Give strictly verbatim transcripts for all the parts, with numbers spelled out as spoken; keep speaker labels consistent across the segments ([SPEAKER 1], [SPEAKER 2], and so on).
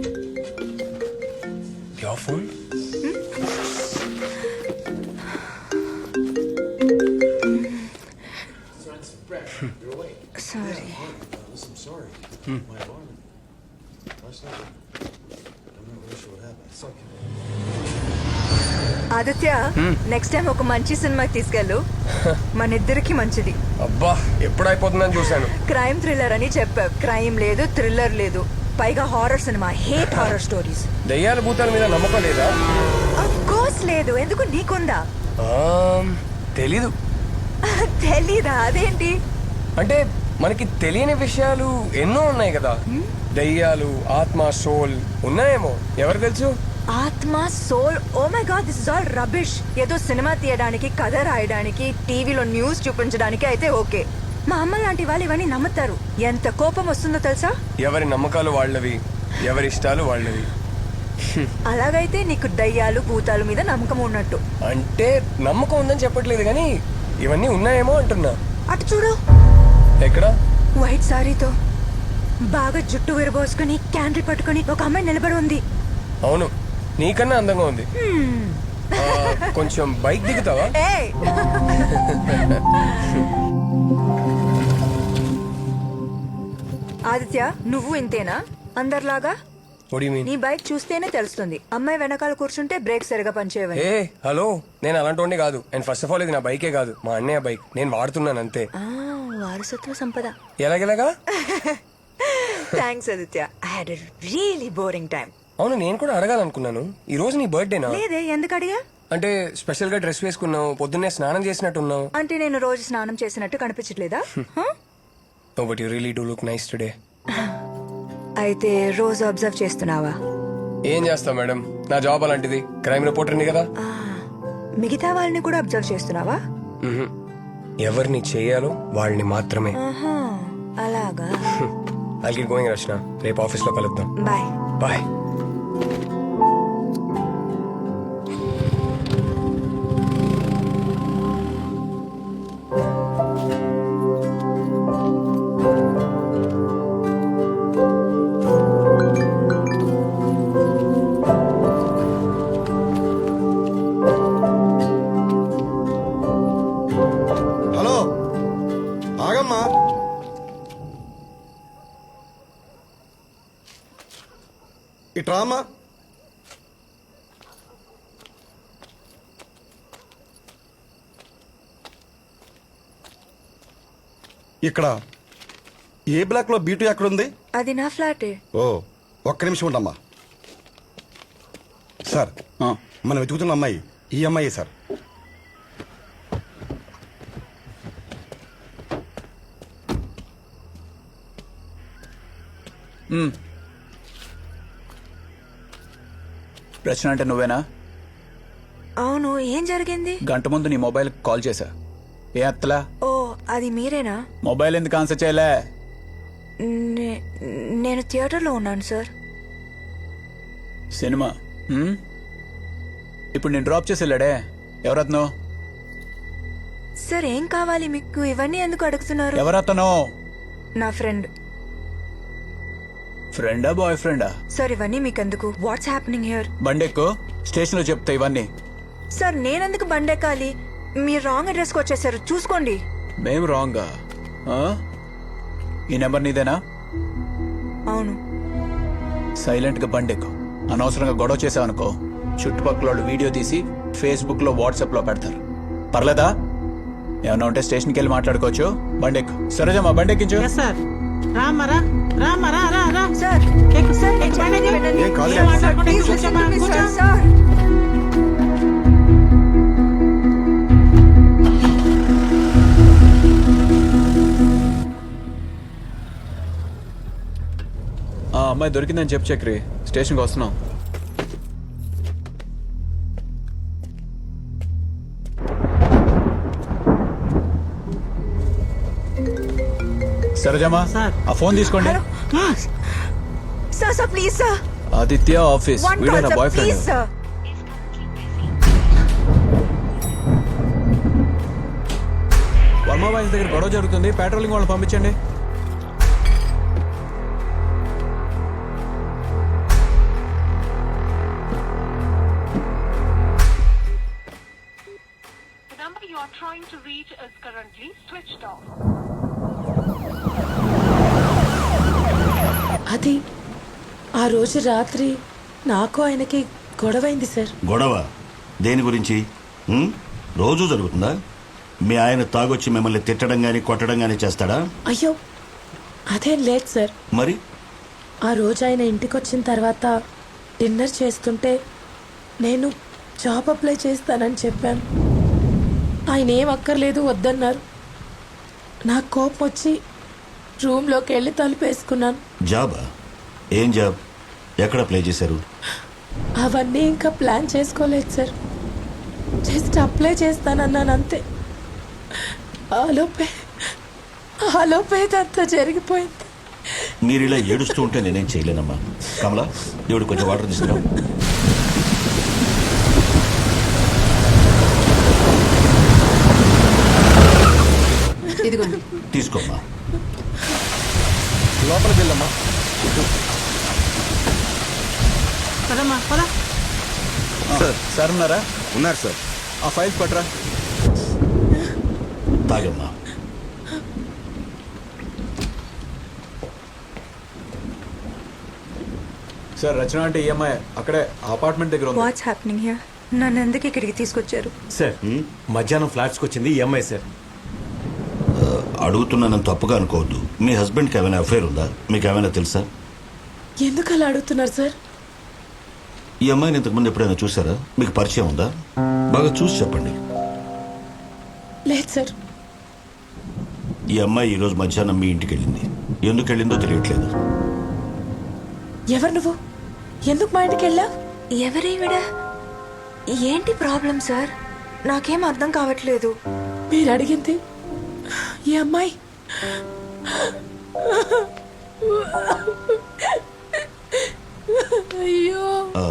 [SPEAKER 1] Your phone?
[SPEAKER 2] Sorry.
[SPEAKER 3] Listen, I'm sorry. My alarm. Last night. I'm not really sure what happened. It's okay.
[SPEAKER 2] Aditya next time ఒక మంచి సినిమాకి తీసుకెళ్ళు మన ఇద్దరికి మంచిది.
[SPEAKER 1] అబ్బా ఎప్పుడు అయిపోతుందని చూశాను.
[SPEAKER 2] క్రైమ్ థ్రిల్లర్ అని చెప్పావు, క్రైమ్ లేదు థ్రిల్లర్ లేదు, పైగా horror cinema. Hate horror stories.
[SPEAKER 1] దయ్యాల భూతాల మీద నమ్మకం లేదా?
[SPEAKER 2] ఆఫ్ కోర్స్ లేదు. ఎందుకు, నీకుందా?
[SPEAKER 1] తెలీదు.
[SPEAKER 2] తెలీదా? అదేంటి?
[SPEAKER 1] అంటే మనకి తెలియని విషయాలు ఎన్నో ఉన్నాయి కదా. దయ్యాలు, ఆత్మ, సోల్ ఉన్నాయేమో, ఎవరు తెలుసు?
[SPEAKER 2] ఆత్మ, soul, oh my God, this is all rubbish. ఏదో సినిమా తీయడానికి, కథ రాయడానికి, టీవీలో న్యూస్ చూపించడానికి అయితే ఓకే. మా అమ్మ లాంటి వాళ్ళు ఇవన్నీ నమ్ముతారు. ఎంత కోపం వస్తుందో తెలుసా?
[SPEAKER 1] ఎవరి నమ్మకాలు వాళ్ళవి, ఎవరి ఇష్టాలు వాళ్ళవి.
[SPEAKER 2] అలాగైతే నీకు దయ్యాలు భూతాలు మీద నమ్మకం ఉన్నట్టు.
[SPEAKER 1] అంటే నమ్మకం ఉందని చెప్పట్లేదు కానీ ఇవన్నీ ఉన్నాయేమో అంటున్నా.
[SPEAKER 2] అటు చూడు.
[SPEAKER 1] ఎక్కడ?
[SPEAKER 2] వైట్ సారీతో బాగా జుట్టు విరబోసుకుని క్యాండిల్ పట్టుకుని ఒక అమ్మాయి నిలబడి ఉంది.
[SPEAKER 1] అవును, నీకన్నా అందంగా ఉంది. ఆ, కొంచెం బైక్ దిగుతావా?
[SPEAKER 2] ఏయ్! ఆదిత్య, నువ్వు ఇంతేనా అందరిలాగా?
[SPEAKER 1] What do you mean?
[SPEAKER 2] నీ బైక్ చూస్తేనే తెలుస్తుంది. అమ్మాయి వెనకాల కూర్చుంటే బ్రేక్ సరిగా పనిచేయవని.
[SPEAKER 1] ఏ హలో, నేను అలాంటి కాదు. అండ్ ఫస్ట్ ఆఫ్ ఆల్ ఇది నా బైకే కాదు, మా అన్నయ్య బైక్. నేను వాడుతున్నాను అంతే.
[SPEAKER 2] ఆ, వారసత్వ సంపద.
[SPEAKER 1] ఎలాగెలాగా?
[SPEAKER 2] Thanks Aditya. I had a really boring time.
[SPEAKER 1] అవును, నేను కూడా అడగాలనుకున్నాను. ఈ రోజు నీ బర్త్డేనా?
[SPEAKER 2] లేదే, ఎందుకు అడిగా?
[SPEAKER 1] అంటే స్పెషల్ గా డ్రెస్ వేసుకున్నావు, పొద్దున్నే స్నానం చేసినట్టున్నావు.
[SPEAKER 2] అంటే నేను రోజు స్నానం చేసినట్టు కనిపించట్లేదా?
[SPEAKER 1] Oh, but you really do look nice today.
[SPEAKER 2] అయితే రోజు అబ్జర్వ్ చేస్తున్నావా?
[SPEAKER 1] ఏం చేస్తావు మేడం, నా జాబ్ అలాంటిది. క్రైమ్ రిపోర్టర్ని కదా.
[SPEAKER 2] ఆ, మిగతా వాళ్ళని కూడా అబ్జర్వ్ చేస్తున్నావా?
[SPEAKER 1] మ్హూ. ఎవరిని చేయాలో వాళ్ళని మాత్రమే.
[SPEAKER 2] ఆహా, అలాగా.
[SPEAKER 1] ఐల్ గెట్ గోయింగ్ రచన, రేపు ఆఫీస్ లో కలుద్దాం.
[SPEAKER 2] బాయ్.
[SPEAKER 1] బాయ్.
[SPEAKER 3] హలో, ఆగమ్మా. ఇట్రామా. ఇక్కడ ఏ బ్లాక్ లో బీటు ఎక్కడుంది?
[SPEAKER 2] అది నా ఫ్లాటే.
[SPEAKER 3] ఓ, ఒక్క నిమిషం ఉండమ్మా. సార్, మనం వెతుకుతున్న అమ్మాయి ఈ అమ్మాయి సార్.
[SPEAKER 4] రచన అంటే నువ్వేనా?
[SPEAKER 2] అవును, ఏం జరిగింది?
[SPEAKER 4] గంట ముందు నీ మొబైల్ కాల్ చేశా, ఏ అత్తలా?
[SPEAKER 2] ఓ, అది మీరేనా?
[SPEAKER 4] మొబైల్ ఎందుకు ఆన్సర్ చేయలే?
[SPEAKER 2] నే- నేను థియేటర్లో ఉన్నాను సార్.
[SPEAKER 4] సినిమా హ్మ్? ఇప్పుడు నేను డ్రాప్ చేసి వెళ్ళాడే, ఎవరత్నో?
[SPEAKER 2] సార్, ఏం కావాలి మీకు? ఇవన్నీ ఎందుకు అడుగుతున్నారు?
[SPEAKER 4] ఎవరతనో?
[SPEAKER 2] నా ఫ్రెండ్.
[SPEAKER 4] ఫ్రెండా బాయ్ ఫ్రెండా?
[SPEAKER 2] సార్, ఇవన్నీ మీకెందుకు? What's happening here?
[SPEAKER 4] బండెక్కు, స్టేషన్ లో చెప్తా ఇవన్నీ.
[SPEAKER 2] సార్, నేనెందుకు బండెక్కాలి? మీరు రాంగ్ అడ్రస్కి వచ్చేసారు, చూసుకోండి.
[SPEAKER 4] మేం రాంగా? ఆ? ఈ నెంబర్ నీదేనా?
[SPEAKER 2] అవును.
[SPEAKER 4] సైలెంట్ గా బండెక్కు. అనవసరంగా గొడవ చేసావనుకో, చుట్టుపక్కల వాళ్ళు వీడియో తీసి ఫేస్బుక్ లో వాట్సాప్ లో పెడతారు. పర్లేదా? ఏమన్నా ఉంటే స్టేషన్కి వెళ్ళి మాట్లాడుకోవచ్చు. బండెక్కు. సరేజమ్మా, బండెక్కించు.
[SPEAKER 5] సార్, రామరా రామరా రా రా
[SPEAKER 2] సార్,
[SPEAKER 5] ఎక్కు
[SPEAKER 2] సార్,
[SPEAKER 5] ఎక్కు
[SPEAKER 2] నేను
[SPEAKER 5] బండి
[SPEAKER 2] చెప్పేది వినండి.
[SPEAKER 3] ఏం కాదు.
[SPEAKER 5] ఏం
[SPEAKER 2] సార్,
[SPEAKER 5] మాట్లాడకుండా
[SPEAKER 2] ప్లీజ్
[SPEAKER 5] కూర్చోమ్మా,
[SPEAKER 2] listen to me,
[SPEAKER 5] కూర్చో.
[SPEAKER 2] Sir, sir.
[SPEAKER 4] ఆ అమ్మాయి దొరికిందని చెప్పు చక్రి, స్టేషన్కి వస్తున్నాం. సరేజమ్మా,
[SPEAKER 5] సార్.
[SPEAKER 4] ఆ ఫోన్ తీసుకోండి.
[SPEAKER 2] Hello. Sir, sir, please sir.
[SPEAKER 4] Aditya office,
[SPEAKER 2] one
[SPEAKER 4] వీడే
[SPEAKER 2] కాల్
[SPEAKER 4] నా
[SPEAKER 2] sir,
[SPEAKER 4] boy
[SPEAKER 2] please
[SPEAKER 4] friend.
[SPEAKER 2] Sir.
[SPEAKER 4] Varma boys దగ్గర గొడవ జరుగుతుంది, పెట్రోలింగ్ వాళ్ళని పంపించండి.
[SPEAKER 6] is currently switched off.
[SPEAKER 5] అది ఆ రోజు రాత్రి నాకు ఆయనకి గొడవైంది సార్.
[SPEAKER 7] గొడవ దేని గురించి? ఉం? రోజూ జరుగుతుందా? మీ ఆయన తాగొచ్చి మిమ్మల్ని తిట్టడం గాని కొట్టడం గాని చేస్తాడా?
[SPEAKER 5] అయ్యో అదేం లేదు సార్.
[SPEAKER 7] మరి
[SPEAKER 5] ఆ రోజు ఆయన ఇంటికి వచ్చిన తర్వాత డిన్నర్ చేస్తుంటే నేను జాబ్ అప్లై చేస్తానని చెప్పాను. ఆయన ఏం అక్కర్లేదు వద్దన్నారు. నాకు కోపం వచ్చి రూమ్లోకి వెళ్ళి తలుపేసుకున్నాను.
[SPEAKER 7] జాబా? ఏం జాబ్? ఎక్కడ ప్లే చేశారు?
[SPEAKER 5] అవన్నీ ఇంకా ప్లాన్ చేసుకోలేదు సార్. జస్ట్ అప్లై చేస్తానన్నాను అంతే. ఆలోపే ఆలోపే అంతా జరిగిపోయింది.
[SPEAKER 7] మీరు ఇలా ఏడుస్తూ ఉంటే నేనేం చేయలేనమ్మా. కమలా, దేవుడు కొంచెం వాటర్ తీసుకురా.
[SPEAKER 8] ఇదిగోండి.
[SPEAKER 7] తీసుకోమ్మా.
[SPEAKER 1] లోపలికి వెళ్ళమ్మా.
[SPEAKER 5] పదమ్మా పద.
[SPEAKER 4] సార్ సార్ ఉన్నారా?
[SPEAKER 9] ఉన్నారు సార్.
[SPEAKER 4] ఆ ఫైల్స్ పట్టరా.
[SPEAKER 7] తాగమ్మా.
[SPEAKER 4] సార్ రచన అంటే ఈఎంఐ అక్కడే అపార్ట్మెంట్ దగ్గర ఉంది.
[SPEAKER 2] What's happening here? నన్ను ఎందుకు ఇక్కడికి తీసుకొచ్చారు?
[SPEAKER 9] సార్ మధ్యాహ్నం ఫ్లాట్స్కి వచ్చింది ఈ అమ్మాయి సార్.
[SPEAKER 7] అడుగుతున్నానని తప్పుగా అనుకోవద్దు. మీ హస్బెండ్కి ఏమైనా అఫైర్ ఉందా? మీకు ఏమైనా తెలుసా?
[SPEAKER 5] ఎందుకు అలా అడుగుతున్నారు సార్?
[SPEAKER 7] ఈ అమ్మాయిని ఇంతకుముందు ఎప్పుడైనా చూసారా? మీకు పరిచయం ఉందా? బాగా చూసి చెప్పండి.
[SPEAKER 5] లేదు సార్.
[SPEAKER 7] ఈ అమ్మాయి ఈరోజు మధ్యాహ్నం మీ ఇంటికి వెళ్ళింది. ఎందుకు వెళ్ళిందో తెలియట్లేదు.
[SPEAKER 5] ఎవరు నువ్వు? ఎందుకు మా ఇంటికి వెళ్ళా?
[SPEAKER 2] ఎవరేవిడ? ఏంటి ప్రాబ్లం సార్? నాకేం అర్థం కావట్లేదు.
[SPEAKER 5] మీరు అడిగింది ఈ అమ్మాయి. అయ్యో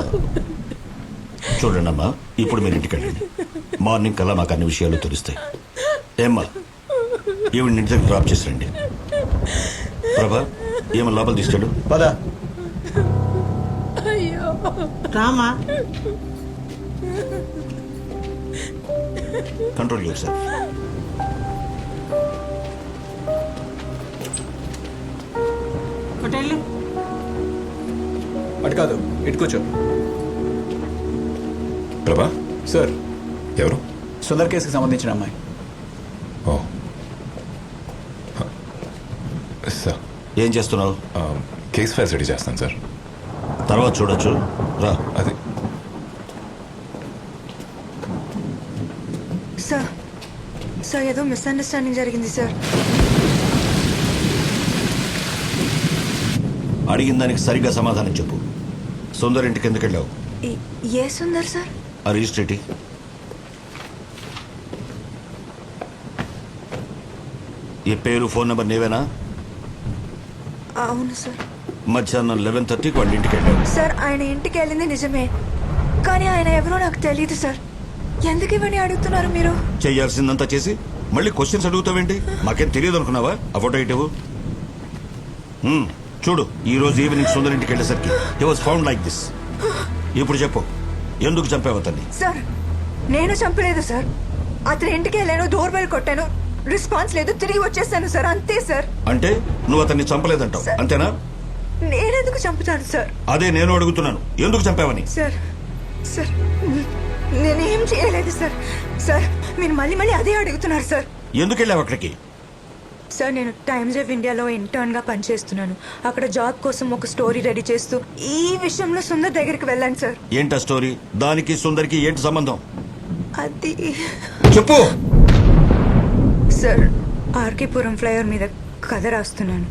[SPEAKER 7] చూడండి అమ్మా, ఇప్పుడు మీరు ఇంటికి వెళ్ళండి. మార్నింగ్ కల్లా మాకు అన్ని విషయాలు తెలుస్తాయి. ఏమ్మా, ఈవిడ ఇంటి దగ్గర డ్రాప్ చేసి రండి. ప్రభా, ఏమో లోపల తీసుకెళ్ళు.
[SPEAKER 4] పద.
[SPEAKER 5] అయ్యో Rama.
[SPEAKER 7] Control yourself.
[SPEAKER 5] Hotel
[SPEAKER 4] అటు కాదు, ఇటు కూర్చో.
[SPEAKER 9] ప్రభా,
[SPEAKER 4] సార్
[SPEAKER 9] ఎవరు?
[SPEAKER 4] సుందర్ కేసుకి సంబంధించిన అమ్మాయి.
[SPEAKER 9] ఓ సార్,
[SPEAKER 7] ఏం చేస్తున్నావు?
[SPEAKER 9] కేస్ ఫైల్స్ రెడీ చేస్తాను సార్.
[SPEAKER 7] తర్వాత చూడొచ్చు, రా.
[SPEAKER 9] అది
[SPEAKER 2] సార్ సార్ ఏదో మిస్అండర్స్టాండింగ్ జరిగింది సార్.
[SPEAKER 7] అడిగిన దానికి సరిగ్గా సమాధానం చెప్పు. సుందర్ ఇంటికి ఎందుకు వెళ్ళావు?
[SPEAKER 2] ఈ- ఏ సుందర్ సార్?
[SPEAKER 7] ఆ రిజిస్ట్రేటి. ఈ పేరు ఫోన్ నెంబర్ నీవేనా?
[SPEAKER 2] అవును సార్.
[SPEAKER 7] మధ్యాహ్నం లెవెన్ థర్టీకి వాళ్ళ ఇంటికి వెళ్ళావు.
[SPEAKER 2] సార్ ఆయన ఇంటికి వెళ్ళింది నిజమే, కానీ ఆయన ఎవరో నాకు తెలియదు సార్. ఎందుకు ఇవన్నీ అడుగుతున్నారు మీరు?
[SPEAKER 7] చేయాల్సిందంతా చేసి మళ్ళీ క్వశ్చన్స్ అడుగుతావేంటి? మాకేం తెలియదు అనుకున్నావా? ఆ ఫోటో ఇటు చూడు. ఈ రోజు ఈవినింగ్ సుందర్ ఇంటికి వెళ్ళేసరికి he was found like this. ఇప్పుడు చెప్పు, ఎందుకు చంపావు అతన్ని?
[SPEAKER 2] సార్ నేను చంపలేదు సార్. అతని ఇంటికి వెళ్ళాను, డోర్ బెల్ కొట్టాను, రెస్పాన్స్ లేదు, తిరిగి వచ్చేసాను సార్, అంతే సార్.
[SPEAKER 7] అంటే నువ్వు అతన్ని చంపలేదంటావు, అంతేనా?
[SPEAKER 2] నేనెందుకు చంపుతాను సార్?
[SPEAKER 7] అదే నేను అడుగుతున్నాను, ఎందుకు చంపావని.
[SPEAKER 2] సార్ సార్ నేనేం చేయలేదు సార్. సార్ మీరు మళ్ళీ మళ్ళీ అదే అడుగుతున్నారు సార్.
[SPEAKER 7] ఎందుకు వెళ్ళావు అక్కడికి?
[SPEAKER 2] సార్ నేను టైమ్స్ ఆఫ్ ఇండియాలో ఇంటర్న్ గా పనిచేస్తున్నాను. అక్కడ జాబ్ కోసం ఒక స్టోరీ రెడీ చేస్తూ ఈ విషయంలో సుందర్ దగ్గరికి వెళ్ళాను సార్.
[SPEAKER 7] ఏంటా స్టోరీ? దానికి సుందర్కి ఏంటి సంబంధం?
[SPEAKER 2] అది
[SPEAKER 7] చెప్పు.
[SPEAKER 2] సార్ ఆర్కేపురం ఫ్లైఓవర్ మీద కథ రాస్తున్నాను.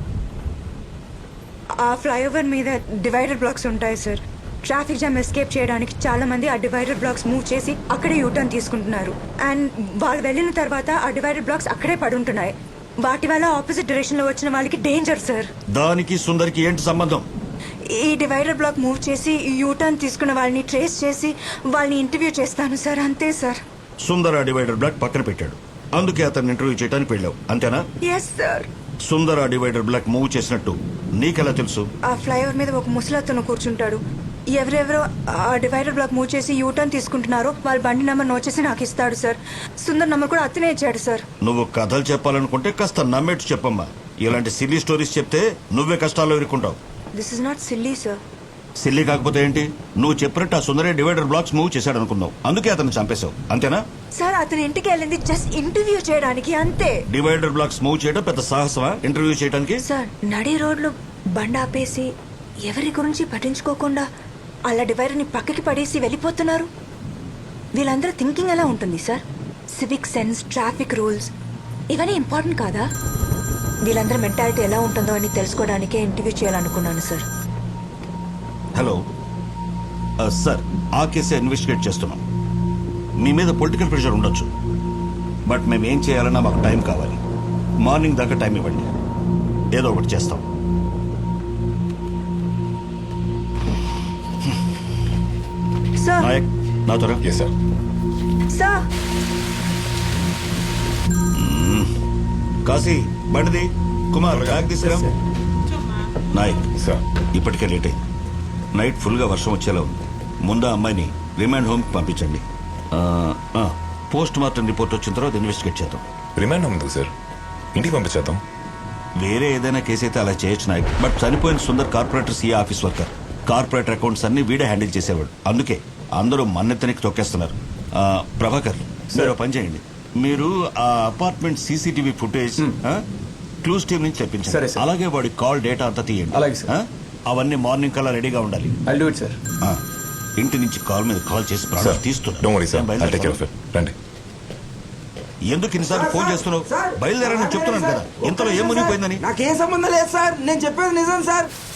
[SPEAKER 2] ఆ ఫ్లైఓవర్ మీద డివైడర్ బ్లాక్స్ ఉంటాయి సార్. ట్రాఫిక్ జామ్ ఎస్కేప్ చేయడానికి చాలా మంది ఆ డివైడర్ బ్లాక్స్ మూవ్ చేసి అక్కడే యూటర్న్ తీసుకుంటున్నారు. అండ్ వాళ్ళు వెళ్ళిన తర్వాత ఆ డివైడర్ బ్లాక్స్ అక్కడే పడుంటున్నాయి. వాటి వల్ల ఆపోజిట్ డైరెక్షన్ లో వచ్చిన వాళ్ళకి డేంజర్ సార్.
[SPEAKER 7] దానికి సుందర్కి ఏంటి సంబంధం?
[SPEAKER 2] ఈ డివైడర్ బ్లాక్ మూవ్ చేసి యూటర్న్ తీసుకున్న వాళ్ళని ట్రేస్ చేసి వాళ్ళని ఇంటర్వ్యూ చేస్తాను సార్, అంతే సార్.
[SPEAKER 7] సుందర్ ఆ డివైడర్ బ్లాక్ పక్కన పెట్టాడు, అందుకే అతన్ని ఇంటర్వ్యూ చేయడానికి వెళ్ళావు, అంతేనా?
[SPEAKER 2] Yes sir.
[SPEAKER 7] సుందర్ ఆ డివైడర్ బ్లాక్ మూవ్ చేసినట్టు నీకెలా తెలుసు?
[SPEAKER 2] ఆ ఫ్లైఓవర్ మీద ఒక ముసలతను కూర్చుంటాడు. ఎవరెవరో ఆ డివైడర్ బ్లాక్ మూవ్ చేసి యూటర్న్ తీసుకుంటున్నారో వాళ్ళ బండి నెంబర్ నోట్ చేసి నాకు ఇస్తాడు సార్. సుందర్ నెంబర్ కూడా అతనే ఇచ్చాడు సార్.
[SPEAKER 7] నువ్వు కథలు చెప్పాలనుకుంటే కాస్త నమ్మేట్టు చెప్పమ్మా. ఇలాంటి సిల్లీ స్టోరీస్ చెప్తే నువ్వే కష్టాల్లో ఇరుక్కుంటావు.
[SPEAKER 2] This is not silly sir.
[SPEAKER 7] Silly కాకపోతే ఏంటి? నువ్వు చెప్పినట్టు ఆ సుందరే డివైడర్ బ్లాక్స్ మూవ్ చేశాడు అనుకున్నావు, అందుకే అతను చంపేశావు, అంతేనా?
[SPEAKER 2] సార్ అతని ఇంటికి వెళ్ళింది జస్ట్ ఇంటర్వ్యూ చేయడానికి అంతే.
[SPEAKER 7] డివైడర్ బ్లాక్స్ మూవ్ చేయడం పెద్ద సాహసమా ఇంటర్వ్యూ చేయడానికి?
[SPEAKER 2] సార్ నడి రోడ్లు బండి ఆపేసి ఎవరి గురించి పట్టించుకోకుండా అలా డివైడర్ని పక్కకి పడేసి వెళ్ళిపోతున్నారు. వీళ్ళందరూ థింకింగ్ ఎలా ఉంటుంది sir? Civic sense, traffic rules ఇవన్నీ ఇంపార్టెంట్ కాదా? వీళ్ళందరూ మెంటాలిటీ ఎలా ఉంటుందో అని తెలుసుకోవడానికే ఇంటర్వ్యూ చేయాలనుకున్నాను సార్.
[SPEAKER 7] హలో ఆ, సార్ ఆ కేసే ఇన్వెస్టిగేట్ చేస్తున్నాం. మీ మీద పొలిటికల్ ప్రెషర్ ఉండొచ్చు, బట్ మేము ఏం చేయాలన్నా మాకు టైం కావాలి. మార్నింగ్ దాకా టైం ఇవ్వండి, ఏదో ఒకటి చేస్తాం.
[SPEAKER 2] సార్
[SPEAKER 7] నాయక్ నా త్వర
[SPEAKER 9] ఎస్ సార్.
[SPEAKER 2] సార్
[SPEAKER 7] కాశీ బండిది, కుమార్ బ్యాగ్ తీసుకురా. నాయక్
[SPEAKER 9] సార్
[SPEAKER 7] ఇప్పటికే లేట్ అయింది. నైట్ ఫుల్గా వర్షం వచ్చేలా ఉంది. ముందు ఆ అమ్మాయిని రిమాండ్ హోమ్కి పంపించండి. పోస్ట్ మార్టం రిపోర్ట్ వచ్చిన తర్వాత ఇన్వెస్టిగేట్ చేద్దాం.
[SPEAKER 9] రిమాండ్ ఉంది సార్, ఇంటికి పంపించేద్దాం.
[SPEAKER 7] వేరే ఏదైనా కేసు అయితే అలా చేయొచ్చు నాయక్, బట్ చనిపోయిన Sundar corporator CA office worker. Corporator accounts అన్ని వీడే హ్యాండిల్ చేసేవాడు, అందుకే అందరూ మన్నెత్తనికి తొక్కేస్తున్నారు. ఆ, ప్రభాకర్ మీరు పని చేయండి, మీరు ఆ apartment CCTV footage clues team నుంచి
[SPEAKER 4] సరే,
[SPEAKER 7] తెప్పించండి.
[SPEAKER 4] సార్.
[SPEAKER 7] అలాగే వాడి కాల్ డేటా అంతా తీయండి.
[SPEAKER 4] అలాగే, సార్.
[SPEAKER 7] ఆ? అవన్నీ మార్నింగ్ కల్లా రెడీగా ఉండాలి.
[SPEAKER 4] I'll do it sir.
[SPEAKER 7] ఆ, ఇంటి నుంచి కాల్ మీద కాల్ చేసి ప్రాణాలు
[SPEAKER 9] సార్
[SPEAKER 7] తీస్తున్నా.
[SPEAKER 9] డోంట్ వరీ సార్,
[SPEAKER 7] నేను
[SPEAKER 9] ఐల్ టేక్ కేర్ ఆఫ్
[SPEAKER 7] బయలుదేరుతాను.
[SPEAKER 9] ఇట్. రండి.
[SPEAKER 7] ఎందుకు ఇన్నిసార్లు ఫోన్ చేస్తున్నావు? బయలుదేరని చెప్తున్నాను కదా, ఇంతలో ఏం మునిగిపోయిందని.
[SPEAKER 10] నాకేం సంబంధం లేదు సార్, నేను చెప్పేది నిజం సార్.